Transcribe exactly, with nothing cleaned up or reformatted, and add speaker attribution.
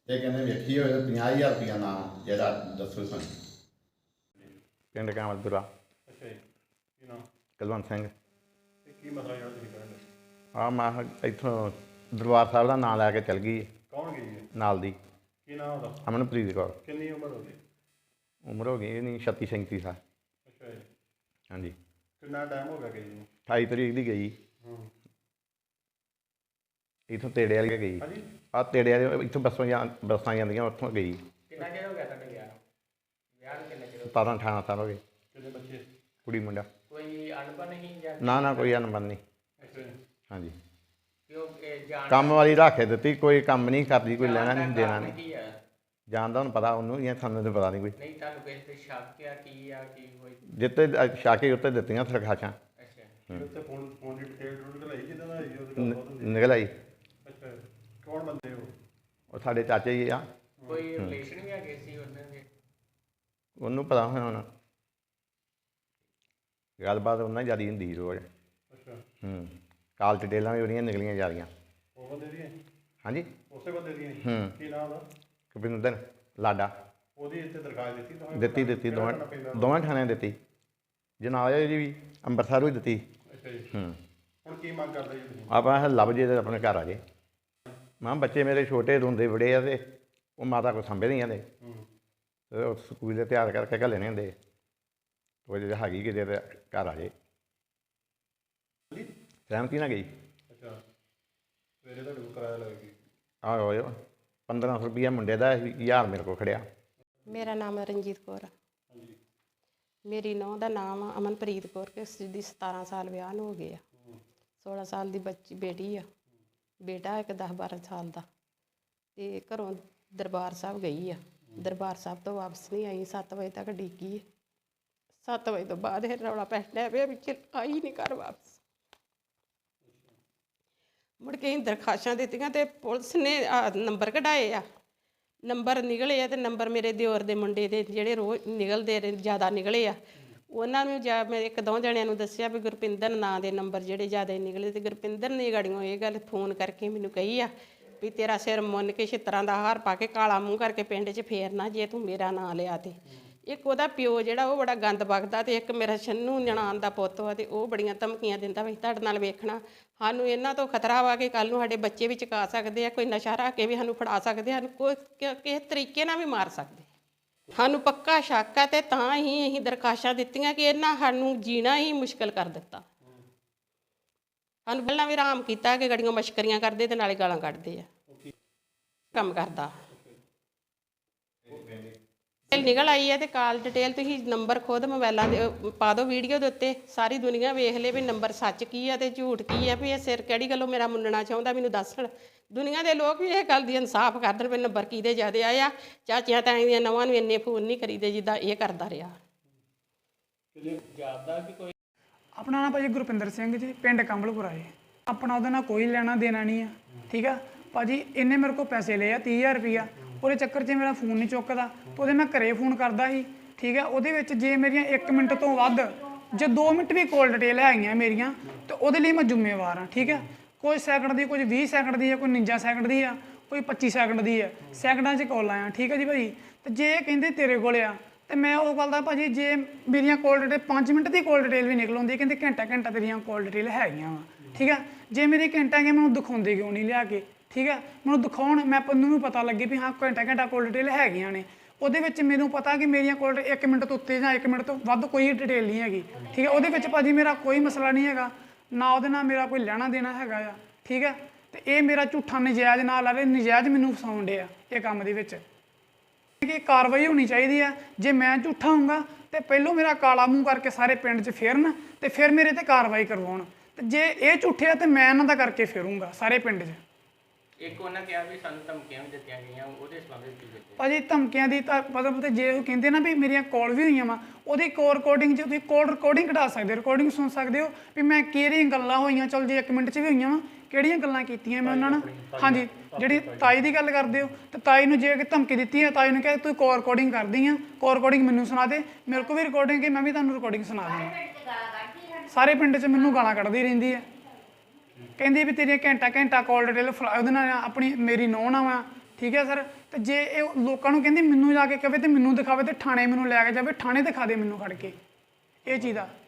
Speaker 1: ਇਹ ਕਹਿੰਦੇ ਵੇਖੀ ਹੋਏ ਪੰਜਾਹ ਹਜ਼ਾਰ ਰੁਪਇਆ ਨਾਮ ਜਿਹੜਾ ਦੱਸੋ ਸਾਨੂੰ।
Speaker 2: ਪਿੰਡ ਕਾਮਲਪੁਰਾ।
Speaker 3: ਅੱਛਾ ਜੀ, ਕੀ ਨਾਮ
Speaker 2: ਕੁਲਵੰਤ ਸਿੰਘ।
Speaker 3: ਤੇ ਕੀ ਮਸਲਾ ਜਿਹੜਾ ਤੁਸੀਂ ਕਹਿੰਦੇ?
Speaker 2: ਆ ਮੈਂ ਕਿਹਾ ਇੱਥੋਂ ਦਰਬਾਰ ਸਾਹਿਬ ਦਾ ਨਾਂ ਲੈ ਕੇ ਚਲ ਗਈ
Speaker 3: ਕੌਣ ਗਈ ਹੈ?
Speaker 2: ਨਾਲ ਦੀ
Speaker 3: ਕੀ ਨਾਮ ਉਹਦਾ?
Speaker 2: ਅਮਨਪ੍ਰੀਤ ਕੌਰ।
Speaker 3: ਕਿੰਨੀ ਉਮਰ ਹੋ ਗਈ?
Speaker 2: ਉਮਰ ਹੋ ਗਈ ਨਹੀਂ ਛੱਤੀ ਸੈਂਤੀ ਸਾਲ।
Speaker 3: ਅੱਛਾ ਜੀ,
Speaker 2: ਹਾਂਜੀ।
Speaker 3: ਕਿੰਨਾ ਟਾਈਮ ਹੋ ਗਿਆ ਗਈ ਨੂੰ?
Speaker 2: ਅਠਾਈ ਤਰੀਕ ਦੀ ਗਈ
Speaker 3: ਹੂੰ,
Speaker 2: ਇੱਥੋਂ ਤੇੜੇ ਵਾਲੀ ਗਈ।
Speaker 3: ਹਾਂਜੀ।
Speaker 2: ਆ ਤੇੜੇ ਵਾਲੀ ਇੱਥੋਂ ਬੱਸਾਂ ਜਾਂ ਬੱਸਾਂ ਜਾਂਦੀਆਂ ਉੱਥੋਂ ਗਈ।
Speaker 4: ਕਿੰਨਾ ਚਿਰ ਹੋ ਗਿਆ ਤੁਹਾਡੇ ਵਿਆਹ ਨੂੰ? ਵਿਆਹ ਨੂੰ ਕਿੰਨਾ ਚਿਰ ਹੋ ਗਿਆ?
Speaker 2: ਸਤਾਰਾਂ ਅਠਾਰਾਂ ਸਾਲ ਹੋ ਗਏ।
Speaker 3: ਕਿੰਨੇ ਬੱਚੇ?
Speaker 2: ਕੁੜੀ ਮੁੰਡਾ।
Speaker 4: ਕੋਈ ਅਣਬਣ ਨਹੀਂ ਜਾਂ
Speaker 2: ਨਾ ਨਾ ਕੋਈ ਅਨਬਨ ਨਹੀਂ।
Speaker 3: ਅੱਛਾ ਜੀ,
Speaker 2: ਹਾਂਜੀ।
Speaker 4: ਕਿਉਂ ਇਹ ਜਾਣ
Speaker 2: ਕੰਮ ਵਾਲੀ ਰੱਖ ਦਿੱਤੀ, ਕੋਈ ਕੰਮ ਨਹੀਂ ਕਰਦੀ, ਕੋਈ ਲੈਣਾ ਨਹੀਂ ਦੇਣਾ
Speaker 4: ਕਾਰਨ
Speaker 2: ਨਹੀਂ।
Speaker 4: ਕੀ ਆ?
Speaker 2: ਜਾਣਦਾ ਹੁਣ ਪਤਾ ਉਹਨੂੰ ਜਾਂ ਸਾਨੂੰ ਤਾਂ ਪਤਾ ਨਹੀਂ ਕੋਈ।
Speaker 4: ਨਹੀਂ ਤੁਹਾਨੂੰ ਕਿਸੇ ਤੇ ਸ਼ੱਕ ਆ ਕੀ ਆ ਕੀ ਹੋਈ?
Speaker 2: ਜਿੱਤੇ ਸ਼ਾਕੇ ਉੱਤੇ ਦਿੱਤੀਆਂ ਸਰਖਾਸ਼ਾਂ
Speaker 4: ਅੱਛਾ
Speaker 3: ਤੇ ਉੱਤੇ ਫੋਨ ਫੋਨ ਦੀ ਡਿਟੇਲ ਡੂਲ ਲਈ ਜਿੱਦਾਂ ਦਾ ਹੋਈ ਉਹਦੀ ਗੱਲ ਬਹੁਤ ਹੁੰਦੀ।
Speaker 2: ਨਿਕਲ ਆਈ।
Speaker 3: ਅੱਛਾ, ਕੌਣ ਬੰਦੇ ਉਹ?
Speaker 2: ਉਹ ਸਾਡੇ ਚਾਚੇ ਜੀ ਆ,
Speaker 4: ਕੋਈ ਰਿਲੇਸ਼ਨ ਵੀ ਹੈਗੇ ਸੀ ਉਹਨਾਂ ਦੇ?
Speaker 2: ਉਹਨੂੰ ਪਤਾ ਹੋਣਾ ਹੁਣ। ਗੱਲਬਾਤ ਉਹਨਾਂ ਹੀ ਜ਼ਿਆਦਾ ਹੁੰਦੀ ਸੀ ਰੋਜ਼।
Speaker 3: ਅੱਛਾ,
Speaker 2: ਹੂੰ। ਕਾਲ ਡਿਟੇਲਾਂ ਵੀ ਉਹਦੀਆਂ ਨਿਕਲੀਆਂ ਜਾ ਰਹੀਆਂ।
Speaker 3: ਉਹ ਬੰਦੇ ਦੀਆਂ?
Speaker 2: ਹਾਂਜੀ।
Speaker 3: ਉਸੇ ਬੰਦੇ ਦੀਆਂ?
Speaker 2: ਹੂੰ।
Speaker 3: ਕੀ ਨਾਮ ਉਹਦਾ?
Speaker 2: ਕਪਿੰਦਰ ਲਾਡਾ।
Speaker 3: ਉਹਦੀ ਇੱਥੇ ਦਰਖਾਸਤ ਦਿੱਤੀ ਤੁਹਾਨੂੰ?
Speaker 2: ਦਿੱਤੀ ਦਿੱਤੀ
Speaker 3: ਕਿਹੜਾ
Speaker 2: ਦੋਵਾਂ
Speaker 3: ਕਰਨਾ ਪੈਂਦਾ?
Speaker 2: ਦੋਵਾਂ ਥਾਣਿਆਂ ਦਿੱਤੀ। ਜਨਾਜ਼ੇ ਦੀ ਵੀ ਅੰਮ੍ਰਿਤਸਰੋਂ ਹੀ ਦਿੱਤੀ।
Speaker 3: ਅੱਛਾ ਜੀ,
Speaker 2: ਹੂੰ।
Speaker 3: ਹੁਣ ਕੀ ਮੰਗ ਕਰਦੇ ਜੀ ਤੁਸੀਂ?
Speaker 2: ਆਪਾਂ ਲੱਭ ਜੇ ਤੇ ਆਪਣੇ ਘਰ ਆ ਜੇ। ਮਾਂ ਬੱਚੇ ਮੇਰੇ ਛੋਟੇ ਰੋਂਦੇ ਬੜੇ ਆ ਤੇ ਉਹ ਮਾਤਾ ਕੋਲ ਸੰਭੇ ਨਹੀਂ ਆਉਂਦੇ।
Speaker 3: ਹੂੰ,
Speaker 2: ਤੇ ਉਹ ਸਕੂਲ ਦੇ ਤਿਆਰ ਕਰਕੇ ਘੱਲਣੇ ਹੁੰਦੇ। ਉਹ ਜੇ ਹੈਗੀ ਕਿਤੇ ਤੇ ਘਰ ਆ ਜੇ। ਸਹਿਮਤੀ ਨਾ ਗਈ।
Speaker 3: ਅੱਛਾ, ਸਵੇਰੇ ਤੁਹਾਡੇ ਕੋਲ ਕਿਰਾਇਆ ਲੱਗੇਗੀ?
Speaker 2: ਆਹ ਹੋਇਆ ਪੰਦਰਾਂ ਸੌ ਰੁਪਈਆ ਮੁੰਡੇ ਦਾ, ਹਜ਼ਾਰ ਮੇਰੇ ਕੋਲ ਖੜਿਆ।
Speaker 5: ਮੇਰਾ ਨਾਮ ਹੈ ਰਣਜੀਤ ਕੌਰ।
Speaker 3: ਹਾਂਜੀ।
Speaker 5: ਮੇਰੀ ਨੂੰਹ ਦਾ ਨਾਮ ਆ ਅਮਨਪ੍ਰੀਤ ਕੌਰ ਕਿ ਜਿਹਦੀ ਸਤਾਰਾਂ ਸਾਲ ਵਿਆਹ ਨੂੰ ਹੋ ਗਏ ਆ। ਸੋਲਾਂ ਸਾਲ ਦੀ ਬੱਚੀ ਬੇਟੀ ਆ, ਬੇਟਾ ਇੱਕ ਦਸ ਬਾਰਾਂ ਸਾਲ ਦਾ। ਤੇ ਘਰੋਂ ਦਰਬਾਰ ਸਾਹਿਬ ਗਈ ਆ, ਦਰਬਾਰ ਸਾਹਿਬ ਤੋਂ ਵਾਪਸ ਨਹੀਂ ਆਈ। ਸੱਤ ਵਜੇ ਤੱਕ ਡਿੱਗੀ। ਸੱਤ ਵਜੇ ਤੋਂ ਬਾਅਦ ਇਹ ਰੌਲਾ ਪੈਣਾ ਪਿਆ ਵਿੱਚ ਆਈ ਨਹੀਂ ਘਰ ਵਾਪਸ। ਮੁੜ ਕੇ ਅਸੀਂ ਦਰਖਾਸ਼ਾਂ ਦਿੱਤੀਆਂ ਤੇ ਪੁਲਿਸ ਨੇ ਆਹ ਨੰਬਰ ਕਢਾਏ ਆ। ਨੰਬਰ ਨਿਕਲੇ ਆ ਤੇ ਨੰਬਰ ਮੇਰੇ ਦਿਓਰ ਦੇ ਮੁੰਡੇ ਦੇ ਜਿਹੜੇ ਰੋਜ਼ ਨਿਕਲਦੇ ਰਹੇ ਜ਼ਿਆਦਾ ਨਿਕਲੇ ਆ। ਉਹਨਾਂ ਨੂੰ ਜਾਂ ਮੈਂ ਇੱਕ ਦੋ ਜਣਿਆਂ ਨੂੰ ਦੱਸਿਆ ਵੀ ਗੁਰਪਿੰਦਰ ਨਾਂ ਦੇ ਨੰਬਰ ਜਿਹੜੇ ਜ਼ਿਆਦਾ ਨਿਕਲੇ ਤੇ ਗੁਰਪਿੰਦਰ ਨੇ ਗਾੜੀਆਂ ਇਹ ਗੱਲ ਫੋਨ ਕਰਕੇ ਮੈਨੂੰ ਕਹੀ ਆ ਵੀ ਤੇਰਾ ਸਿਰ ਮੁੰਨ ਕੇ ਛਿੱਤਰਾਂ ਦਾ ਹਾਰ ਪਾ ਕੇ ਕਾਲਾ ਮੂੰਹ ਕਰਕੇ ਪਿੰਡ 'ਚ ਫੇਰਨਾ ਜੇ ਤੂੰ ਮੇਰਾ ਨਾਂ ਲਿਆ ਤੇ। ਇੱਕ ਉਹਦਾ ਪਿਓ ਜਿਹੜਾ ਉਹ ਬੜਾ ਗੰਦ ਬਕਦਾ ਤੇ ਇੱਕ ਮੇਰਾ ਛੰਨੂ ਨਨਾਣ ਦਾ ਪੁੱਤ ਵਾ ਤੇ ਉਹ ਬੜੀਆਂ ਧਮਕੀਆਂ ਦਿੰਦਾ ਵੀ ਤੁਹਾਡੇ ਨਾਲ ਵੇਖਣਾ। ਸਾਨੂੰ ਇਹਨਾਂ ਤੋਂ ਖਤਰਾ ਵਾ ਕਿ ਕੱਲ੍ਹ ਨੂੰ ਸਾਡੇ ਬੱਚੇ ਵੀ ਚੁਕਾ ਸਕਦੇ ਆ, ਕੋਈ ਨਸ਼ਾ ਰੱਖ ਕੇ ਵੀ ਸਾਨੂੰ ਫੜਾ ਸਕਦੇ ਆ, ਸਾਨੂੰ ਕੋਈ ਕਿਸੇ ਤਰੀਕੇ ਨਾਲ ਵੀ ਮਾਰ ਸਕਦੇ। ਸਾਨੂੰ ਪੱਕਾ ਸ਼ੱਕ ਆ ਤੇ ਤਾਂ ਹੀ ਅਸੀਂ ਦਰਖਾਸ਼ਾਂ ਦਿੱਤੀਆਂ ਕਿ ਇਹਨਾਂ ਸਾਨੂੰ ਜੀਣਾ ਹੀ ਮੁਸ਼ਕਿਲ ਕਰ ਦਿੱਤਾ। ਸਾਨੂੰ ਪਹਿਲਾਂ ਵੀ ਆਰਾਮ ਕੀਤਾ ਕਿ ਗੜੀਆਂ ਮਸ਼ਕਰੀਆਂ ਕਰਦੇ ਤੇ ਨਾਲੇ ਗਾਲਾਂ ਕੱਢਦੇ ਆ। ਕੰਮ ਕਰਦਾ ਨਿਕਲ ਆਈ ਹੈ ਤੇ ਕਾਲ ਡਿਟੇਲ ਤੁਸੀਂ ਨੰਬਰ ਖੁਦ ਮੋਬਾਈਲਾਂ ਦੇ ਪਾ ਦਿਓ ਵੀਡੀਓ ਦੇ ਉੱਤੇ, ਸਾਰੀ ਦੁਨੀਆ ਵੇਖ ਲੇ ਵੀ ਨੰਬਰ ਸੱਚ ਕੀ ਆ ਤੇ ਝੂਠ ਕੀ ਆ, ਵੀ ਇਹ ਸਿਰ ਕਿਹੜੀ ਗੱਲੋਂ ਮੇਰਾ ਮੁੰਨਣਾ ਚਾਹੁੰਦਾ ਮੈਨੂੰ ਦੱਸਣ। ਦੁਨੀਆ ਦੇ ਲੋਕ ਵੀ ਇਹ ਗੱਲ ਦੀ ਇਨਸਾਫ ਕਰਦੇ ਵੀ ਨੰਬਰ ਕਿਹਦੇ ਜ਼ਿਆਦੇ ਆਏ ਆ। ਚਾਚੀਆਂ ਤਾਈਆਂ ਦੀਆਂ ਨਵਾਂ ਨੂੰ ਇੰਨੇ ਫੋਨ ਨਹੀਂ ਕਰੀਦੇ ਜਿੱਦਾਂ ਇਹ ਕਰਦਾ ਰਿਹਾ।
Speaker 4: ਜਾਪਦਾ ਕਿ ਕੋਈ
Speaker 6: ਆਪਣਾ ਨਾਮ ਭਾਜੀ ਗੁਰਪਿੰਦਰ ਸਿੰਘ ਜੀ, ਪਿੰਡ ਕੰਬਲਪੁਰਾ ਜੀ। ਆਪਣਾ ਉਹਦੇ ਨਾਲ ਕੋਈ ਲੈਣਾ ਦੇਣਾ ਨਹੀਂ ਆ, ਠੀਕ ਆ ਭਾਜੀ। ਇਹਨੇ ਮੇਰੇ ਕੋਲ ਪੈਸੇ ਲਏ ਆ ਤੀਹ ਹਜ਼ਾਰ ਰੁਪਈਆ। ਉਹਦੇ ਚੱਕਰ 'ਚ ਮੇਰਾ ਫੋਨ ਨਹੀਂ ਚੁੱਕਦਾ ਤੇ ਉਹਦੇ ਮੈਂ ਘਰੇ ਫੋਨ ਕਰਦਾ ਸੀ, ਠੀਕ ਆ। ਉਹਦੇ ਵਿੱਚ ਜੇ ਮੇਰੀਆਂ ਇੱਕ ਮਿੰਟ ਤੋਂ ਵੱਧ ਜੇ ਦੋ ਮਿੰਟ ਵੀ ਕੋਲ ਡਿਟੇਲ ਹੈਗੀਆਂ ਮੇਰੀਆਂ ਤੇ ਉਹਦੇ ਲਈ ਮੈਂ ਜ਼ਿੰਮੇਵਾਰ ਹਾਂ, ਠੀਕ ਆ। ਕੋਈ ਸੈਕਿੰਡ ਦੀ, ਕੁਝ ਵੀਹ ਸੈਕਿੰਡ ਦੀ ਆ, ਕੋਈ ਉਣੰਜਾ ਸੈਕਿੰਡ ਦੀ ਆ, ਕੋਈ ਪੱਚੀ ਸੈਕਿੰਡ ਦੀ ਆ, ਸੈਕਿੰਡਾਂ 'ਚ ਕਾਲਾਂ ਆ, ਠੀਕ ਆ ਜੀ ਭਾਜੀ। ਤੇ ਜੇ ਇਹ ਕਹਿੰਦੇ ਤੇਰੇ ਕੋਲ ਆ ਤੇ ਮੈਂ ਉਹ ਗੱਲ ਦਾ ਭਾਜੀ ਜੇ ਮੇਰੀਆਂ ਕੋਲ ਡਿਟੇਲ ਪੰਜ ਮਿੰਟ ਦੀ ਕੋਲ ਡਿਟੇਲ ਵੀ ਨਿਕਲ ਆਉਂਦੀ, ਕਹਿੰਦੇ ਘੰਟਾ ਘੰਟਾ ਤੇਰੀਆਂ ਕੋਲ ਡਿਟੇਲ ਹੈਗੀਆਂ ਵਾ, ਠੀਕ ਆ। ਜੇ ਮੇਰੀ ਘੰਟਾ ਹੈਗੀਆਂ ਮੈਨੂੰ ਦਿਖਾਉਂਦੇ ਕਿਉਂ ਨਹੀਂ ਲਿਆ ਕੇ, ਠੀਕ ਆ। ਮੈਨੂੰ ਦਿਖਾਉਣ, ਮੈਂ ਮੈਨੂੰ ਵੀ ਪਤਾ ਲੱਗੇ ਵੀ ਹਾਂ ਘੰਟਾ ਘੰਟਾ ਕੋਲ ਡਿਟੇਲ ਹੈਗੀਆਂ ਨੇ। ਉਹਦੇ ਵਿੱਚ ਮੈਨੂੰ ਪਤਾ ਕਿ ਮੇਰੀਆਂ ਕੋਲ ਇੱਕ ਮਿੰਟ ਤੋਂ ਉੱਤੇ ਜਾਂ ਇੱਕ ਮਿੰਟ ਤੋਂ ਵੱਧ ਕੋਈ ਡਿਟੇਲ ਨਹੀਂ ਹੈਗੀ, ਠੀਕ ਆ। ਉਹਦੇ ਵਿੱਚ ਭਾਜੀ ਮੇਰਾ ਕੋਈ ਮਸਲਾ ਨਹੀਂ ਹੈਗਾ, ਨਾ ਉਹਦੇ ਨਾਲ ਮੇਰਾ ਕੋਈ ਲੈਣਾ ਦੇਣਾ ਹੈਗਾ ਆ, ਠੀਕ ਆ। ਤੇ ਇਹ ਮੇਰਾ ਝੂਠਾ ਨਜਾਇਜ਼ ਨਾਲ ਆ ਰਹੇ, ਨਜਾਇਜ਼ ਮੈਨੂੰ ਫਸਾਉਣ ਡਿਆ ਇਹ ਕੰਮ ਦੇ ਵਿੱਚ। ਕਿ ਕਾਰਵਾਈ ਹੋਣੀ ਚਾਹੀਦੀ ਆ। ਜੇ ਮੈਂ ਝੂਠਾ ਹੋਊਂਗਾ ਤੇ ਪਹਿਲੋਂ ਮੇਰਾ ਕਾਲਾ ਮੂੰਹ ਕਰਕੇ ਸਾਰੇ ਪਿੰਡ 'ਚ ਫੇਰਨ ਤੇ ਫਿਰ ਮੇਰੇ ਤੇ ਕਾਰਵਾਈ ਕਰਵਾਉਣ। ਤੇ ਜੇ ਇਹ ਝੂਠੇ ਆ ਤੇ ਮੈਂ ਇਹਨਾਂ ਦਾ ਕਰਕੇ ਫੇਰੂੰਗਾ ਸਾਰੇ ਪਿੰਡ 'ਚ।
Speaker 4: ਇੱਕ ਉਹਨਾਂ ਕਿਹਾ ਵੀ ਸਾਨੂੰ ਧਮਕੀਆਂ ਵੀ ਦਿੱਤੀਆਂ ਗਈਆਂ, ਉਹਦੇ ਸੰਬੰਧ ਵਿੱਚ ਕੀ ਦਿੱਤੇ?
Speaker 6: ਭਾਜੀ ਧਮਕੀਆਂ ਦੀ ਤਾਂ ਮਤਲਬ ਤੇ ਜੇ ਉਹ ਕਹਿੰਦੇ ਨਾ ਵੀ ਮੇਰੀਆਂ ਕਾਲ ਵੀ ਹੋਈਆਂ ਵਾ, ਉਹਦੀ ਕੋਲ ਰਿਕਾਰਡਿੰਗ 'ਚ ਤੁਸੀਂ ਕੋਲ ਰਿਕਾਰਡਿੰਗ ਕਢਾ ਸਕਦੇ, ਰਿਕਾਰਡਿੰਗ ਸੁਣ ਸਕਦੇ ਹੋ ਵੀ ਮੈਂ ਕਿਹੜੀਆਂ ਗੱਲਾਂ ਹੋਈਆਂ। ਚਲ ਜੇ ਇੱਕ ਮਿੰਟ 'ਚ ਵੀ ਹੋਈਆਂ ਵਾ, ਕਿਹੜੀਆਂ ਗੱਲਾਂ ਕੀਤੀਆਂ ਮੈਂ ਉਹਨਾਂ ਨਾਲ। ਹਾਂਜੀ, ਜਿਹੜੀ ਤਾਈ ਦੀ ਗੱਲ ਕਰਦੇ ਹੋ ਤੇ ਤਾਈ ਨੂੰ ਜੇ ਧਮਕੀ ਦਿੱਤੀ ਹੈ, ਤਾਈ ਨੂੰ ਕਿਹਾ ਤੂੰ ਕੋਲ ਰਿਕਾਰਡਿੰਗ ਕਰਦੀ ਆ, ਕੋਲ ਰਿਕਾਰਡਿੰਗ ਮੈਨੂੰ ਸੁਣਾ ਦੇ। ਮੇਰੇ ਕੋਲ ਵੀ ਰਿਕਾਰਡਿੰਗ ਹੈ, ਮੈਂ ਵੀ ਤੁਹਾਨੂੰ ਰਿਕਾਰਡਿੰਗ ਸੁਣਾ ਦਿੰਦਾ। ਸਾਰੇ ਪਿੰਡ 'ਚ ਮੈਨੂੰ ਗਾਲਾਂ ਕੱਢਦੀ ਰਹਿੰਦੀ ਹੈ, ਕਹਿੰਦੀ ਵੀ ਤੇਰੀਆਂ ਘੰਟਾ ਘੰਟਾ ਕਾਲ ਡਿਟੇਲ ਉਹਦੇ ਨਾਲ ਆਪਣੀ ਮੇਰੀ ਨੂੰਹ ਨਾਲ ਵਾ, ਠੀਕ ਠੀਕ ਹੈ ਸਰ। ਤੇ ਜੇ ਇਹ ਲੋਕਾਂ ਨੂੰ ਕਹਿੰਦੀ ਮੈਨੂੰ ਜਾ ਕੇ ਕਵੇ ਤੇ ਮੈਨੂੰ ਦਿਖਾਵੇ ਤੇ ਥਾਣੇ ਮੈਨੂੰ ਲੈ ਕੇ ਜਾਵੇ, ਥਾਣੇ ਦਿਖਾ ਦੇ ਮੈਨੂੰ ਖੜ ਕੇ ਇਹ ਚੀਜ਼ ਦਾ।